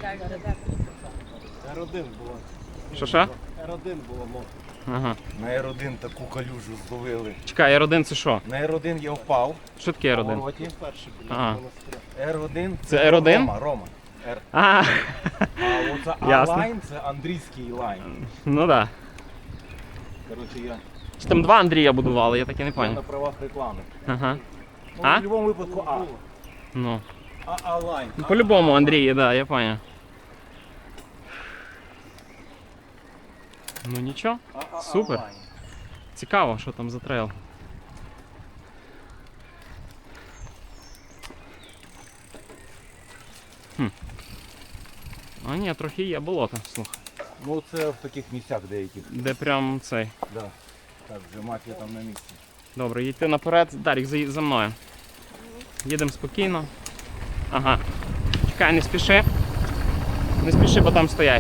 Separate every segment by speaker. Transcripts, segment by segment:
Speaker 1: R1 було.
Speaker 2: Що?
Speaker 1: R1 було мов.
Speaker 2: Ага.
Speaker 1: На R1 таку калюжу зловили.
Speaker 2: Чекай, R1 це що?
Speaker 1: На R1 я впав.
Speaker 2: Що таке
Speaker 1: В
Speaker 2: R1?
Speaker 1: повороті.
Speaker 2: Ага.
Speaker 1: R1
Speaker 2: Це R1?
Speaker 1: Рома.
Speaker 2: А,
Speaker 1: А оце
Speaker 2: Ясно.
Speaker 1: А-лайн це андрійський лайн.
Speaker 2: ну да.
Speaker 1: Коротше, я
Speaker 2: Чи там два Андрія будували, я так і не
Speaker 1: на
Speaker 2: пам'ятаю.
Speaker 1: правах реклами.
Speaker 2: Ага.
Speaker 1: Ну,
Speaker 2: А?
Speaker 1: в будь-якому випадку А.
Speaker 2: Ну.
Speaker 1: А-лайн.
Speaker 2: По-любому Андрій, да, я пам'ятаю. Ну нічого, супер. Цікаво, що там за трейл. А ні, трохи є болото, слухай.
Speaker 1: Ну це в таких місцях деяких.
Speaker 2: Де прям цей.
Speaker 1: Да. Так, вже мафія там на місці.
Speaker 2: Добре, йти наперед. Дарік, за мною. Їдемо спокійно. Ага. Чекай, не спіши. Не спіши, бо там стоять.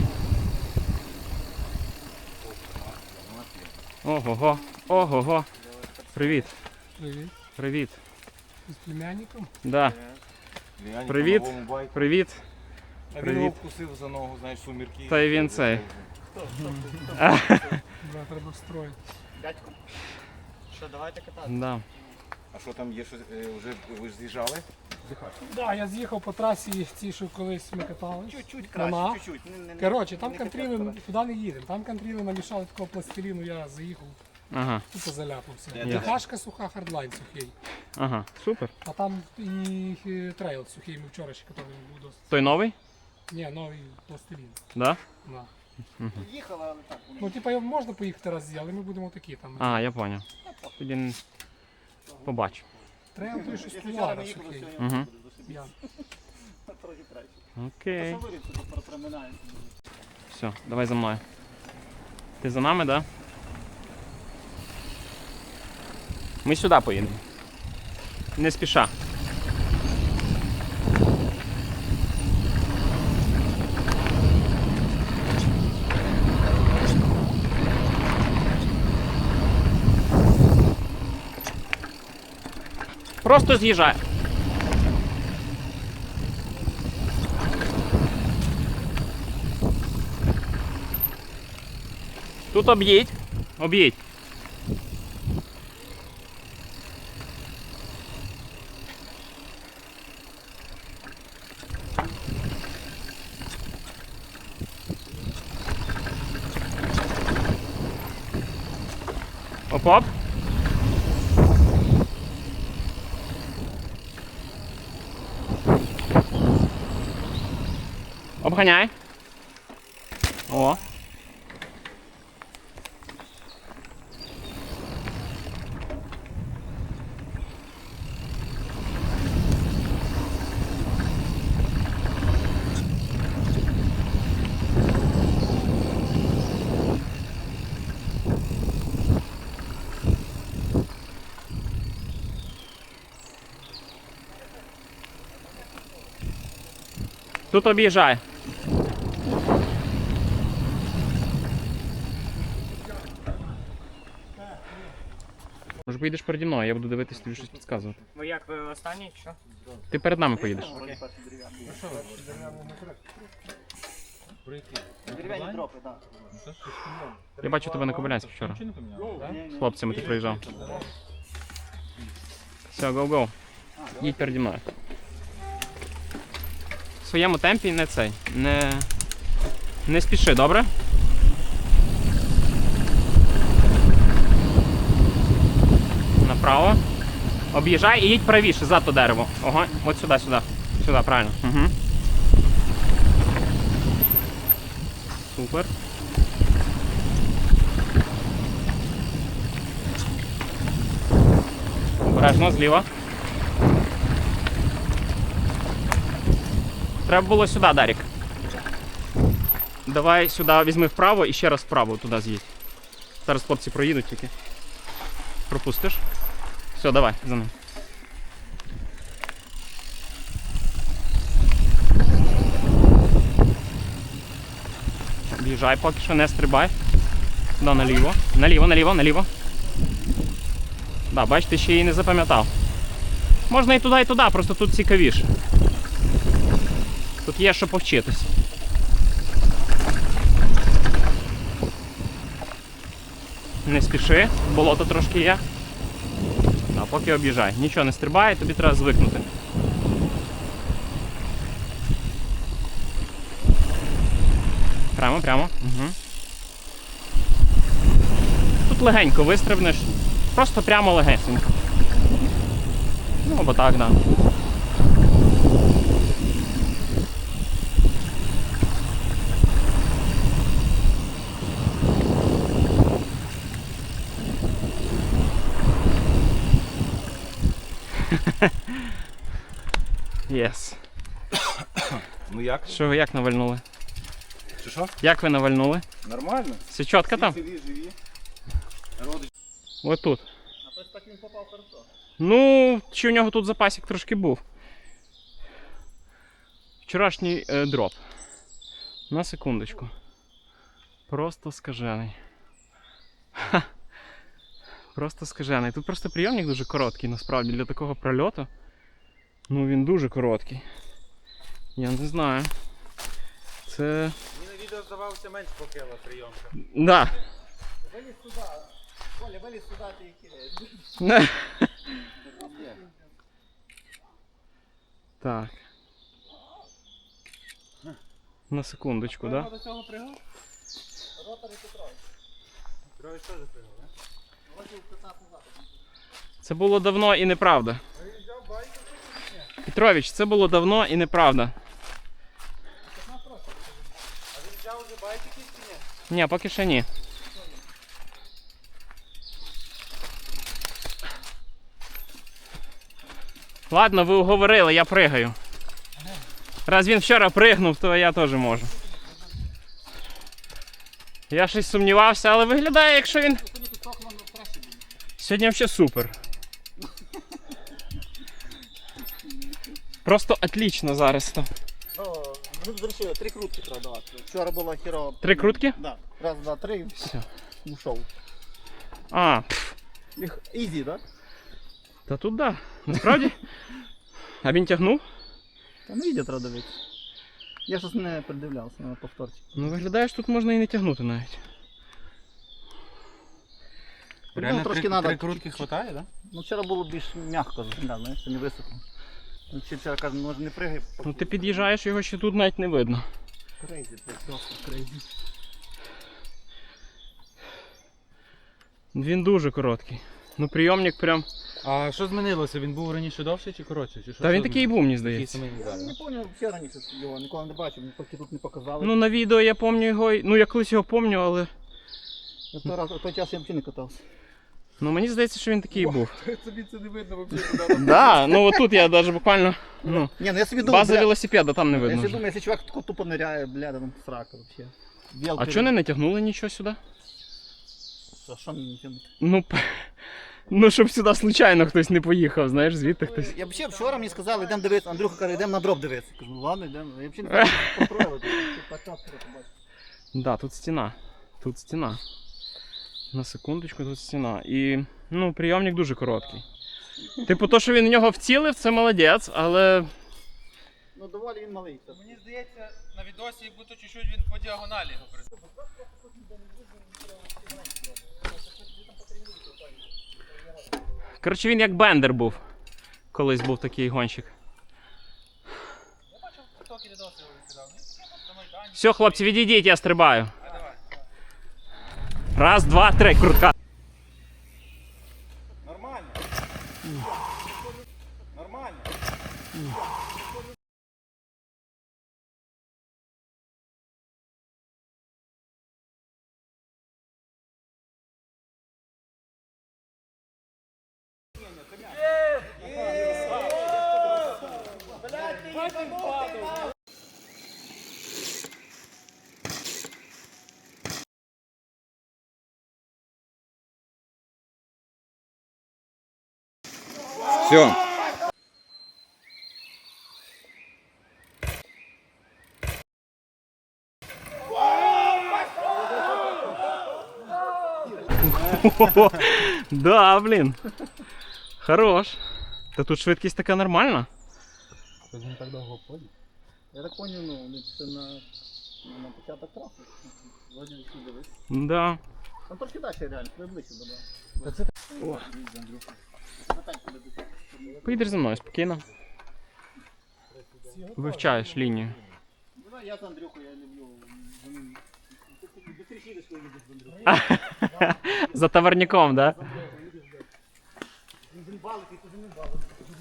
Speaker 2: Ого-го. Ого-го. Привіт.
Speaker 3: Привіт.
Speaker 2: Привіт.
Speaker 3: З племянником?
Speaker 2: Да.
Speaker 1: Реально,
Speaker 2: Привіт.
Speaker 1: по новому байку.
Speaker 2: Привіт.
Speaker 1: А він
Speaker 2: Привіт.
Speaker 1: його вкусив за ногу, знаєш, сумірки.
Speaker 2: Та й він цей.
Speaker 3: Да, треба строїти.
Speaker 4: Дядько, що, давайте катати?
Speaker 2: Да.
Speaker 1: А що там є, що вже ви ж з'їжджали?
Speaker 3: Да, я з'їхав по трасі, ці, що колись ми катались.
Speaker 4: Чуть-чуть
Speaker 3: Вона.
Speaker 4: краще, чуть-чуть.
Speaker 3: Коротше, там
Speaker 4: не
Speaker 3: контріли,
Speaker 4: капець,
Speaker 3: туди не їдемо. Там контріли намішали такого пластиліну, я заїхав,
Speaker 2: Ага.
Speaker 3: тупо заляпався.
Speaker 1: Ясно.
Speaker 3: Кашка суха, хардлайн сухий.
Speaker 2: Ага. Супер.
Speaker 3: А там і трейл сухий, ми вчора ще катали був досить.
Speaker 2: Той новий?
Speaker 3: Ні, новий пластилін.
Speaker 2: Да?
Speaker 3: Да.
Speaker 4: Їхала, але так.
Speaker 3: Ну, типа, можна поїхати разі, але ми будемо такі там.
Speaker 2: А, я поняв. Тоді побачу.
Speaker 3: Трейл той, що
Speaker 4: Якщо
Speaker 3: стулара
Speaker 4: зараз не їхали,
Speaker 3: сухий.
Speaker 4: сьогодні
Speaker 2: Угу.
Speaker 4: буде до собі.
Speaker 3: Я.
Speaker 4: Трохи краще.
Speaker 2: Окей.
Speaker 4: Що вирішити, тут проминається.
Speaker 2: Все, давай за мною. Ти за нами, да? Ми сюди поїдемо. Не спіша. Просто з'їжджай. Тут об'їдь. Об'їдь. Оп-оп. Обганяй. О. Тут об'їжджай. Може поїдеш переді мною, я буду дивитися, тобі щось підказувати.
Speaker 4: Ви як, ви останній, що?
Speaker 2: Ти перед нами поїдеш.
Speaker 4: Дерев'яні дропи, так.
Speaker 2: Я бачу тебе на Кобилянську вчора. З хлопцями ти приїжджав. Все, гоу-гоу. Їдь переді мною. В своєму темпі не цей. Не спіши, добре? Направо. Об'їжджай і їдь правіше, за то дерево. Ого, от сюди, сюди. Сюди, правильно. Угу. Супер. Обережно, зліва. Треба було сюди, Дарік. Давай сюди візьми вправо і ще раз вправо туди з'їдь. Зараз хлопці проїдуть тільки. Пропустиш. Все, давай, за ним. Об'їжджай поки що, не стрибай. Сюди наліво. Наліво, наліво, наліво. Да, бач, ти ще її не запам'ятав. Можна і туди, просто тут цікавіше. Тут є що повчитись. Не спіши, болото трошки є. А поки об'їжджай. Нічого не стрибає, тобі треба звикнути. Прямо, прямо. Угу. Тут легенько вистрибнеш. Просто прямо легесенько. Ну або так, да. Єс.
Speaker 1: Ну як?
Speaker 2: Що ви як навальнули?
Speaker 1: Що?
Speaker 2: Як ви навальнули?
Speaker 1: Нормально.
Speaker 2: Все чітко там?
Speaker 1: Живі. Родич.
Speaker 2: Ось тут.
Speaker 4: А то так він попав хорошо.
Speaker 2: Ну, чи у нього тут запасик трошки був. Вчорашній дроп. На секундочку. Просто скажений. Ха. Просто скажений. Тут просто прийомник дуже короткий, насправді, для такого прольоту. Ну він дуже короткий. Я не знаю. Це...
Speaker 1: Мені на відео здавався менш покела прийомка.
Speaker 2: Да.
Speaker 4: Виліз сюди. Коля, виліз сюди, ти і кидаєш.
Speaker 2: Так. На секундочку, да?
Speaker 4: До цього пригав? Ротор і Петрович.
Speaker 1: Петрович теж пригав, не?
Speaker 4: Років 15 назад.
Speaker 2: Це було давно і неправда. Петрович, це було давно і неправда.
Speaker 1: А він взяв вже байки чи ні?
Speaker 2: Ні, поки ще ні. Ладно, ви уговорили, я пригаю. Раз він вчора пригнув, то я теж можу. Я щось сумнівався, але виглядає, якщо він... Сьогодні взагалі супер. Просто отлично зараз.
Speaker 4: Ну, зрішили, 3 крутки треба давати. Вчора була хіро.
Speaker 2: 3 крутки?
Speaker 4: Да. Раз, два, три,
Speaker 2: Все.
Speaker 4: ушов.
Speaker 2: А,
Speaker 4: Ізі, так?
Speaker 2: та тут да. Насправді. А він тягнув?
Speaker 4: Та не відео треба дивитися. Я щось не придивлявся на повторці.
Speaker 2: Ну виглядає, що тут можна і не тягнути навіть.
Speaker 4: Ну, трошки надо.
Speaker 1: 3 крутки хватає, да?
Speaker 4: Ну, вчора було більш м'яко, знаєш, що не високо. Ну, вчора каже, може не пригай.
Speaker 2: Ну ти під'їжджаєш, його ще тут навіть не видно.
Speaker 4: Крейзі, просто крейзі.
Speaker 2: Він дуже короткий. Ну прийомник прям.
Speaker 5: А що змінилося? Він був раніше довший чи коротший? Чи що?
Speaker 2: Та він
Speaker 5: Що
Speaker 2: такий і
Speaker 5: змінилося?
Speaker 2: був, мені
Speaker 5: Такий
Speaker 2: здається.
Speaker 5: самий
Speaker 4: Я
Speaker 5: зараз.
Speaker 4: не пам'ятаю, ще раніше його ніколи не бачив, поки тут не показали.
Speaker 2: Ну на відео я пам'ятаю його. Ну я колись його пам'ятаю, але.
Speaker 4: Я в той час я взагалі не катався.
Speaker 2: Ну мені здається, що він такий і був.
Speaker 1: Тобі це не видно взагалі.
Speaker 2: Да, ну отут я навіть буквально. Ну,
Speaker 4: Ні, ну я собі думав,
Speaker 2: база велосипеда там не
Speaker 4: я
Speaker 2: видно.
Speaker 4: собі
Speaker 2: вже.
Speaker 4: думаю, якщо чувак тако тупо ниряє, бля, там срака взагалі.
Speaker 2: А чого не натягнули нічого сюди?
Speaker 4: А що мені тягнути?
Speaker 2: Ну, ну щоб сюди случайно хтось не поїхав, знаєш, звідти хтось.
Speaker 4: Я взагалі вчора мені сказали, йдемо дивитися, Андрюха каже, йдемо на дроп дивитися. Кажу, ну ладно, йдемо. Я взагалі не знаю, що контролювати. Так побачив.
Speaker 2: Да, тут стіна. Тут стіна. На секундочку, тут стіна. І ну, прийомник дуже короткий. Типу, то, що він в нього вцілив, це молодець, але.
Speaker 4: Ну доволі він малий.
Speaker 5: Мені здається, на відосі як будто чуть-чуть він по діагоналі його присутній.
Speaker 2: Коротше, він як бендер був. Колись був такий гонщик.
Speaker 5: Я бачив, тільки відоси його відкидав. На Майдані.
Speaker 2: Все, хлопці, відійдіть, я стрибаю. Раз, два, три, крутка.
Speaker 1: Нормально. Нормально. Все.
Speaker 2: Да, блін. Хорош. Та тут швидкість така нормальна.
Speaker 5: Тобто він так довго ходить.
Speaker 4: Я так поняв, ну, це на початок траси. Вроді всі дивись.
Speaker 2: Да.
Speaker 4: Там трошки далі реально, ви ближче до.
Speaker 2: Поїдеш зі мною спокійно. Вивчаєш лінію.
Speaker 4: Я з Андрюхою, я люблю. Вони быстріше їдеш, коли їдеш з Андрюхою.
Speaker 2: За товарником, так? Да?
Speaker 4: Він балик, і туди не балик.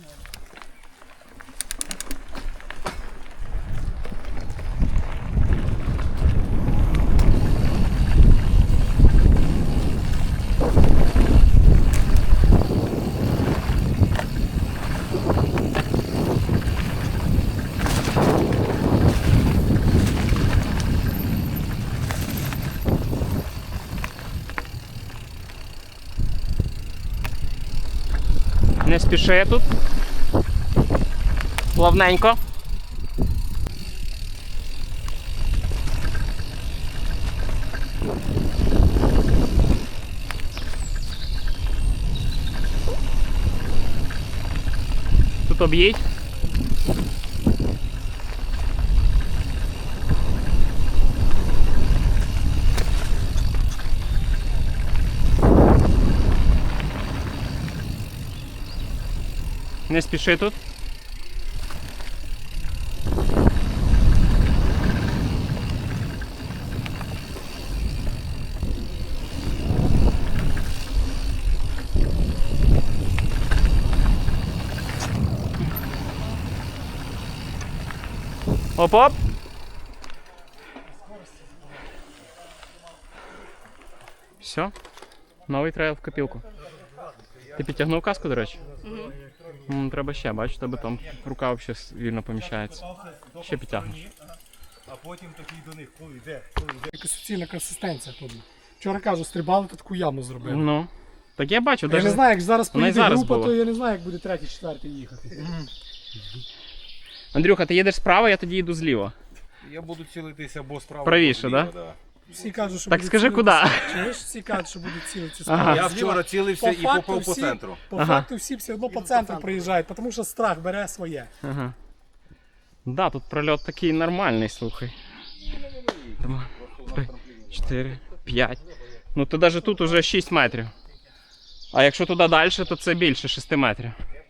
Speaker 2: Не спіши тут. Плавненько. Тут об'їдь. Не спіши тут. Оп-оп. Все. Новий трейл в копілку. Ти підтягнув каску, до речі? Треба ще, бачиш, тебе там рука взагалі вільно поміщається. Ще підтягнеш.
Speaker 1: А потім такий до них, коли йде.
Speaker 3: Якась суцільна консистенція тут. Вчора кажу, стрибали, то таку яму зробили.
Speaker 2: Ну. Так я бачу,
Speaker 3: Я не
Speaker 2: навіть
Speaker 3: знаю, як зараз
Speaker 2: вона і
Speaker 3: поїде
Speaker 2: зараз
Speaker 3: група,
Speaker 2: була.
Speaker 3: то я не знаю, як буде третій, четвертий їхати.
Speaker 2: Андрюха, ти їдеш справа, я тоді їду зліва.
Speaker 1: Я буду цілитися або справа.
Speaker 2: Правіше,
Speaker 1: або
Speaker 2: да?
Speaker 1: зліва,
Speaker 3: Всі кажуть, що
Speaker 2: Так
Speaker 3: будуть
Speaker 2: скажи,
Speaker 3: цілитися.
Speaker 2: куди?
Speaker 3: Чуєш? Всі кажуть, що будуть цілитися
Speaker 2: Ага.
Speaker 3: справа.
Speaker 1: Я
Speaker 3: зліва.
Speaker 1: вчора цілився і
Speaker 3: факту
Speaker 1: попав по
Speaker 3: всі-
Speaker 1: центру.
Speaker 3: По
Speaker 2: Ага.
Speaker 3: факту всі все одно по центру приїжджають, тому що страх бере своє.
Speaker 2: Ага. Да, тут прольот такий нормальний, слухай. 2, 3, 4, 5. Ну то навіть тут уже 6 метрів. А якщо туди далі, то це більше 6 метрів.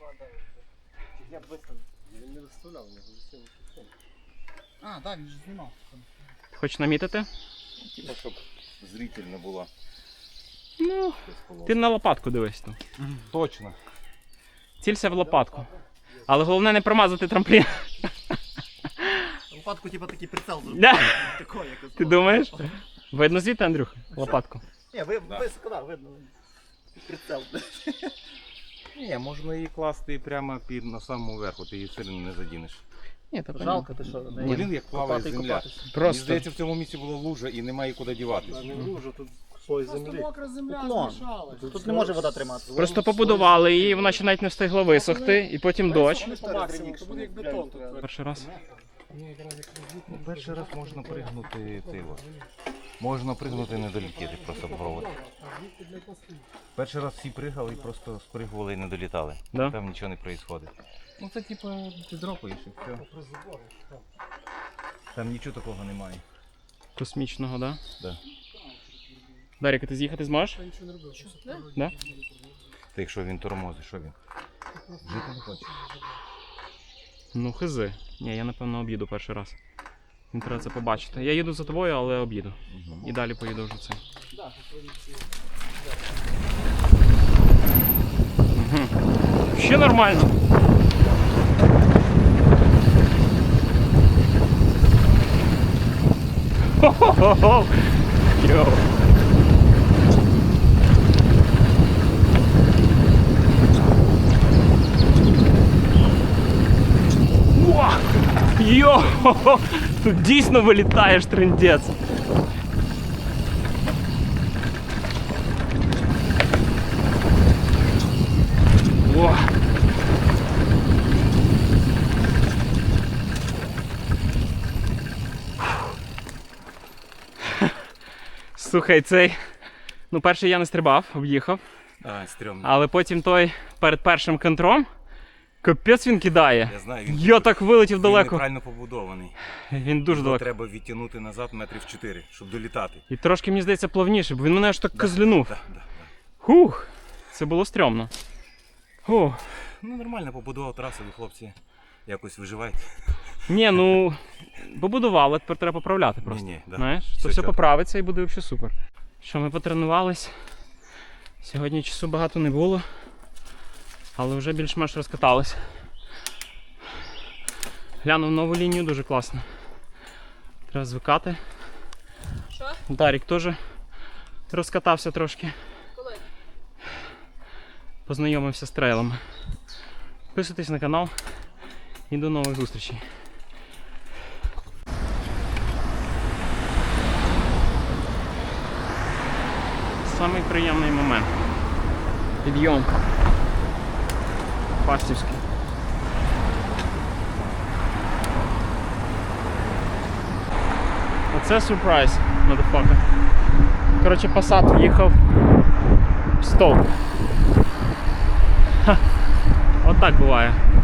Speaker 4: А, так, він ж знімав.
Speaker 2: Хочеш намітити?
Speaker 1: Типа, щоб зрительно було.
Speaker 2: Ну, ти на лопатку дивись там.
Speaker 1: Точно.
Speaker 2: Цілься в лопатку. Але головне не промазати трамплін.
Speaker 4: Лопатку, типа, такий прицел зробив.
Speaker 2: Да.
Speaker 4: Такой, якось.
Speaker 2: Ти думаєш? Видно звідти, Андрюха? Лопатку.
Speaker 4: Ні, високо, да, видно. Прицел.
Speaker 1: Ні, можна її класти прямо на самому верху, ти її сильно не задінеш.
Speaker 2: Ні, то
Speaker 4: Жалко, ти що?
Speaker 1: Блін, як плаває
Speaker 4: Копати і
Speaker 1: земля.
Speaker 4: копатися.
Speaker 1: Мені
Speaker 2: Просто.
Speaker 1: здається, в цьому місці була лужа і немає куди діватися.
Speaker 3: Мокра земля
Speaker 4: Уклон.
Speaker 3: змішалась.
Speaker 4: Тут не може вода триматися.
Speaker 2: Просто побудували її, вона ще навіть не встигла висохти, і потім дощ.
Speaker 3: По максимуму, то буде як бетон тут.
Speaker 2: Перший раз.
Speaker 1: Перший раз можна пригнути цей от. Можна пригнути і не долетіти, просто провод. Перший раз всі пригали і просто спригували і не долітали.
Speaker 2: Да?
Speaker 1: Там нічого не відбувається. Ну це типу ти дропаєш і все. Там нічого такого немає.
Speaker 2: Космічного, да?
Speaker 1: Да.
Speaker 2: Даріка, ти з'їхати зможеш? Да?
Speaker 1: Та якщо він тормозить, що він? Жити не хоче.
Speaker 2: Ну, хизи. Ні, я напевно об'їду перший раз. Він треба це побачити. Я їду за тобою, але об'їду. І далі поїду вже цей. Угу. Ще нормально. Хо-хо-хо! Йоу. О! Йо! Тут дійсно вилітаєш, трындець. О! Слухай, цей. Ну, перший я не стрибав, об'їхав.
Speaker 1: А, стрьомно.
Speaker 2: Але потім той перед першим контром, Капець він кидає.
Speaker 1: Я знаю, він,
Speaker 2: Я так вилетів
Speaker 1: він
Speaker 2: далеко.
Speaker 1: неправильно побудований.
Speaker 2: Він дуже
Speaker 1: Його
Speaker 2: далеко.
Speaker 1: треба відтягнути назад метрів 4, щоб долітати.
Speaker 2: І трошки, мені здається, плавніше, бо він мене аж так козлянув.
Speaker 1: Да.
Speaker 2: Хух, це було стрьомно. Фух.
Speaker 1: Ну нормально побудував трасу, ви хлопці якось виживаєте.
Speaker 2: Ні, ну побудували, тепер треба поправляти просто.
Speaker 1: Ні, да.
Speaker 2: Знаєш,
Speaker 1: Все
Speaker 2: то все
Speaker 1: чітко.
Speaker 2: поправиться і буде взагалі супер. Що ми потренувались. Сьогодні часу багато не було, але вже більш-менш розкатались. Глянув нову лінію, дуже класно. Треба звикати.
Speaker 6: Що?
Speaker 2: Дарік теж розкатався трошки.
Speaker 6: Коли?
Speaker 2: Познайомився з трейлами. Підписуйтесь на канал і до нових зустрічей. Самий приємний момент. Підйом. Фастівський. Оце сюрприз, motherfucker. Коротше, Passat в'їхав в стовп. Ха. От так буває.